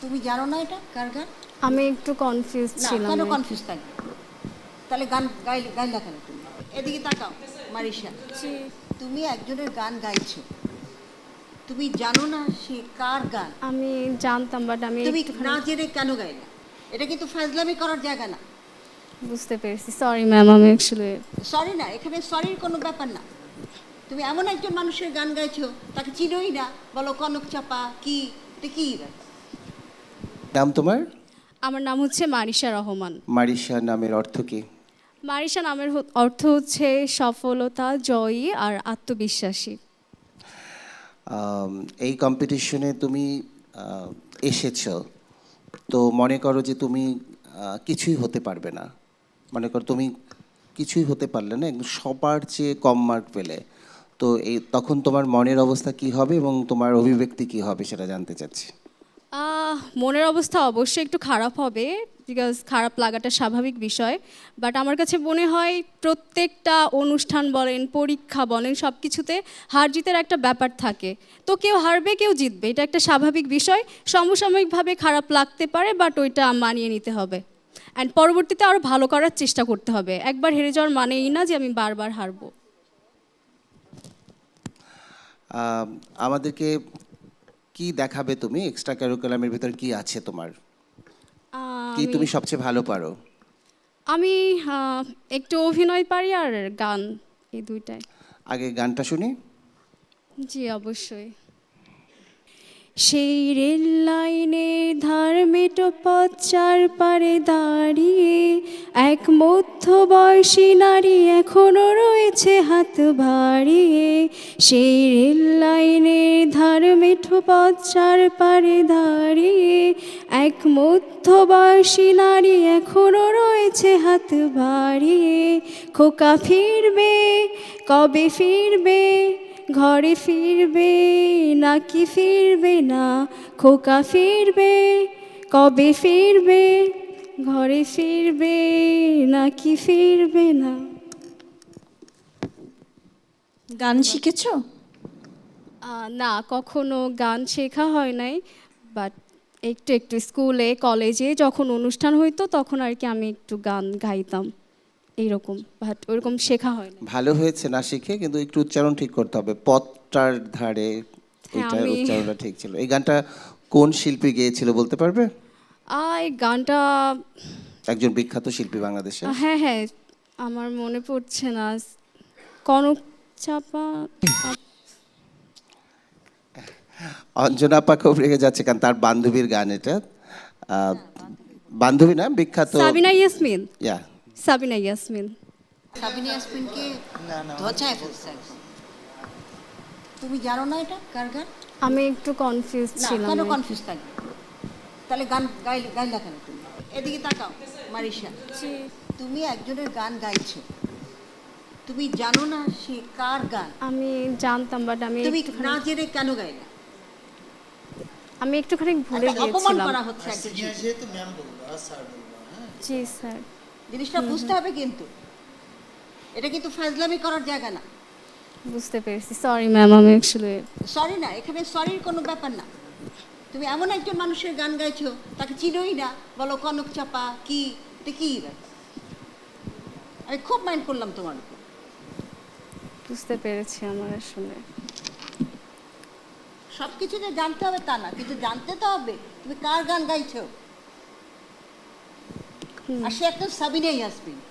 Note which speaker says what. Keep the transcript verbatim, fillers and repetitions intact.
Speaker 1: তুমি জানো না এটা কার গান?
Speaker 2: আমি একটু কনফিউজ
Speaker 1: না
Speaker 2: ছিলাম।
Speaker 1: কেন কনফিউজ থাকবে? তাহলে গান গাইলে গাইলা কেন তুমি? এদিকে তাকাও মারিশা,
Speaker 2: জি।
Speaker 1: তুমি একজনের গান গাইছো, তুমি জানো না সে কার গান?
Speaker 2: আমি জানতাম বাট আমি
Speaker 1: তুমি
Speaker 2: একটুখানি
Speaker 1: না জেনে কেন গাইলা? এটা কিন্তু ফাজলামি করার জায়গা না।
Speaker 2: বুঝতে পেরেছি, সরি ম্যাম। আমি অ্যাকচুয়ালি
Speaker 1: সরি না, এখানে সরির কোনো ব্যাপার না। তুমি এমন একজন মানুষের গান গাইছো, তাকে চিনোই না, বলো কনক চাপা কি, এটা কি ব্যাপার?
Speaker 3: নাম তোমার?
Speaker 2: আমার নাম হচ্ছে মারিশা রহমান।
Speaker 3: মারিশা নামের অর্থ কি?
Speaker 2: মারিশা নামের হ- অর্থ হচ্ছে সফলতা, জয়ী আর আত্মবিশ্বাসী।
Speaker 3: আম, এই কম্পিটিশনে তুমি আহ, এসেছো, তো মনে করো যে তুমি আহ, কিছুই হতে পারবে না। মনে করো তুমি কিছুই হতে পারলে না, একদম সবার চেয়ে কম মার্ক পেলে, তো এই তখন তোমার মনের অবস্থা কি হবে এবং তোমার অভিব্যক্তি কি হবে সেটা জানতে চাচ্ছি।
Speaker 2: আহ, মনের অবস্থা অবশ্যই একটু খারাপ হবে, বিকজ খারাপ লাগাটা স্বাভাবিক বিষয়। বাট আমার কাছে মনে হয় প্রত্যেকটা অনুষ্ঠান বলেন, পরীক্ষা বলেন, সব কিছুতে হার জিতের একটা ব্যাপার থাকে। তো কেউ হারবে, কেউ জিতবে, এটা একটা স্বাভাবিক বিষয়। সমসাময়িকভাবে খারাপ লাগতে পারে, বাট ওইটা মানিয়ে নিতে হবে অ্যান্ড পরবর্তীতে আরও ভালো করার চেষ্টা করতে হবে। একবার হেরে যাওয়ার মানে এই না যে আমি বারবার হারবো।
Speaker 3: আম, আমাদেরকে কি দেখাবে তুমি? এক্সট্রা কারিকুলামের ভিতর কি আছে তোমার?
Speaker 2: আহ,
Speaker 3: কি
Speaker 2: আমি
Speaker 3: তুমি সবচেয়ে ভালো পারো?
Speaker 2: আমি আহ, একটু অভিনয় পারি আর গান, এই দুইটাই।
Speaker 3: আগে গানটা শুনি।
Speaker 2: জি অবশ্যই। সেই রেল লাইনের ধার মেটো পথ চার পারে দাঁড়িয়ে এক মধ্যবয়সী নারী এখনো রয়েছে হাত বাড়িয়ে। সেই রেল লাইনের ধার মেঠো পথ চার পারে দাঁড়িয়ে এক মধ্যবয়সী নারী এখনো রয়েছে হাত বাড়িয়ে। খোকা ফিরবে, কবে ফিরবে, ঘরে ফিরবে নাকি ফিরবে না? খোকা ফিরবে, কবে ফিরবে, ঘরে ফিরবে নাকি ফিরবে না?
Speaker 4: গান শিখেছো?
Speaker 2: আহ, না, কখনো গান শেখা হয় নাই, বাট একটু একটু স্কুলে কলেজে যখন অনুষ্ঠান হইতো তখন আর কি আমি একটু গান গাইতাম এইরকম, বাট ওরকম শেখা হয় না।
Speaker 3: ভালো হয়েছে না শিখে, কিন্তু একটু উচ্চারণ ঠিক করতে হবে। পথটার ধারে
Speaker 2: হ্যাঁ,
Speaker 3: এটা
Speaker 2: আমি-
Speaker 3: উচ্চারণটা ঠিক ছিল। এই গানটা কোন শিল্পী গেয়েছিল বলতে পারবে?
Speaker 2: আহ, এই গানটা
Speaker 3: একজন বিখ্যাত শিল্পী বাংলাদেশে।
Speaker 2: আহ, হ্যাঁ হ্যাঁ, আমার মনে পড়ছে না। কনক চাপা।
Speaker 3: অঞ্জনা আপা খুব রেগে যাচ্ছে কারণ তার বান্ধবীর গান এটা। আহ, বান্ধবী না, বিখ্যাত।
Speaker 2: সাবিনা ইয়াসমিন।
Speaker 3: ইয়া,
Speaker 2: সাবিনা ইয়াসমিন।
Speaker 1: সাবিনা ইয়াসমিনকে ধোঁচায় ফেলছে একদম। তুমি জানো না এটা কার গান?
Speaker 2: আমি একটু কনফিউজ
Speaker 1: না
Speaker 2: ছিলাম।
Speaker 1: কেন কনফিউজ থাকবে? তাহলে গান গাইলে গাইলা কেন তুমি? এদিকে তাকাও মারিশা,
Speaker 2: জি।
Speaker 1: তুমি একজনের গান গাইছো, তুমি জানো না সে কার গান?
Speaker 2: আমি জানতাম বাট আমি
Speaker 1: তুমি
Speaker 2: একটুখানি
Speaker 1: না জেনে কেন গাইলা?
Speaker 2: আমি একটুখানি ভুলে
Speaker 1: একটা অপমান
Speaker 2: গিয়েছিলাম।
Speaker 1: করা হচ্ছে একজন শিল্পী।
Speaker 5: যেহেতু ম্যাম বলবো আর স্যার বলবো, হ্যাঁ।
Speaker 2: জি স্যার।
Speaker 1: জিনিসটা বুঝতে হবে কিন্তু, এটা কিন্তু ফাজলামি করার জায়গা না।
Speaker 2: বুঝতে পেরেছি, সরি ম্যাম। আমি অ্যাকচুয়ালি
Speaker 1: সরি না, এখানে সরির কোনো ব্যাপার না। তুমি এমন একজন মানুষের গান গাইছো, তাকে চিনোই না, বলো কনক চাপা কি, এটা কি ব্যাপার? আমি খুব মাইন্ড করলাম তোমার উপর।
Speaker 2: বুঝতে পেরেছি। আমার আসলে
Speaker 1: সব কিছু যে জানতে হবে তা না, কিন্তু জানতে তো হবে তুমি কার গান গাইছো। আর সে একটা সাবিনা ইয়াসমিন।